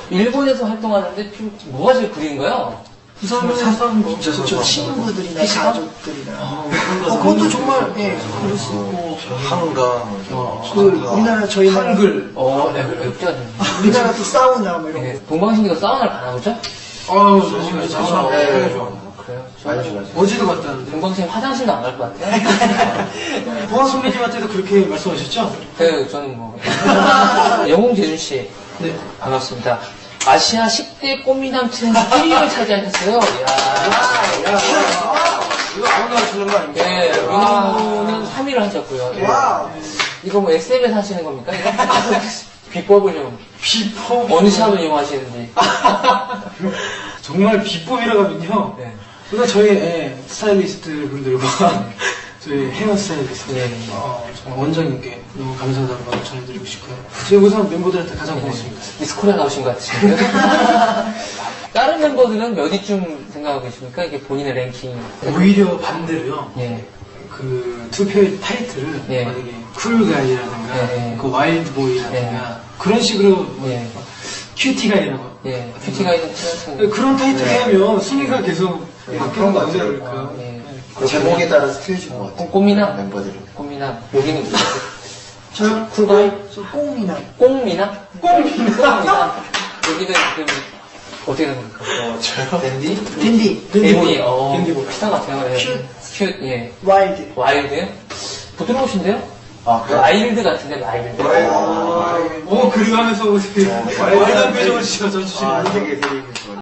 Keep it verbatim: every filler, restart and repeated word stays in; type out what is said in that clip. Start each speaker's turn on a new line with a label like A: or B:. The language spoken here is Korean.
A: 일본에서 활동하는데 좀 뭐가 제일 구린가요?
B: 우선은
C: 사선
B: 저 친구들이나
A: 피지컬?
B: 가족들이나 어, 그것도 정말 예 그럴 수 있고
C: 한강,
B: 그 우리나라 저희는
C: 한글.
A: 어, 네, 엽기가 좀.
B: 우리나라 또 사우나 뭐 이런
A: 네,
B: 거
A: 동방신기가 사우나를 가나 보죠?
C: 아유, 사실 사우나
A: 네.
C: 되게 좋아.
A: 그래요?
C: 많이 좋아요. 어제도 갔다 왔는데.
A: 동방신 화장실도 안 갈 것 같아요.
C: 보아 선배님한테도 그렇게 말씀하셨죠?
A: 네, 저는 뭐. 영웅 재준씨.
C: 네.
A: 반갑습니다. 아시아 십 대 꽃미남 트렌드 일 위를 차지하셨어요. 이야.
C: 이거 아무나 주는 거 아닙니까?
A: 네, 윤호는 삼 위를 하셨고요. 네.
B: 와우
A: 이거 뭐 에스엠에서 하시는 겁니까? 이거? 비법을 좀.
C: 비법.
A: 어느 샵을 이용하시는지.
C: 정말 비법이라고 하면요.
A: 네.
C: 우선 저희 예, 스타일리스트 분들과 저희 헤어 스타일리스트
A: 네.
C: 어, 정말 원장님께 너무 감사하다는 말 전해드리고 싶고요. 저희 우선 멤버들한테 가장 고맙습니다.
A: 미스코리아 나오신 것 같으신데요? 다른 멤버들은 몇 위쯤 생각하고 계십니까? 이게 본인의 랭킹.
C: 오히려 반대로요.
A: 예.
C: 그 투표의 타이틀을
A: 예.
C: 만약에 쿨가이라든가
A: 예.
C: 그 와일드보이라든가
A: 예.
C: 그런 식으로 뭐
A: 예.
C: 큐티가이라고
A: 예. 큐티가 있는 친한
C: 그런 타이틀
A: 네.
C: 하면 순위가 계속
D: 예,
C: 바뀌는
D: 그런
C: 거
D: 것
C: 아니에요?
D: 같아요.
C: 그러니까.
A: 예.
D: 그 제목에 따라서 틀려진 것 같아요.
A: 꽃미남?
D: 멤버들은.
A: 꽃미남. 여기는 누구세요?
B: 저
A: 쿨가이?
B: 저 꽁미남
A: 꽁미남? 꽁미남. 여기는 그, 어떻게 되는 겁니까?
D: 어, 저요? 댄디?
B: 댄디
A: 댄디, 어,
C: 댄디 보이.
A: 비슷한 것 같아요. 예.
B: 큐.
A: 큐, 예.
B: 와일드
A: 와일드? 부드러우신데요?
D: 아, 그래?
A: 와일드 같은데, 와일드.
D: 아,
C: 오, 그리고 하면서 어떻게
D: 어,
C: 말단 표정을 지어서 주시는
D: 아,
C: 거
D: 되게, 되게.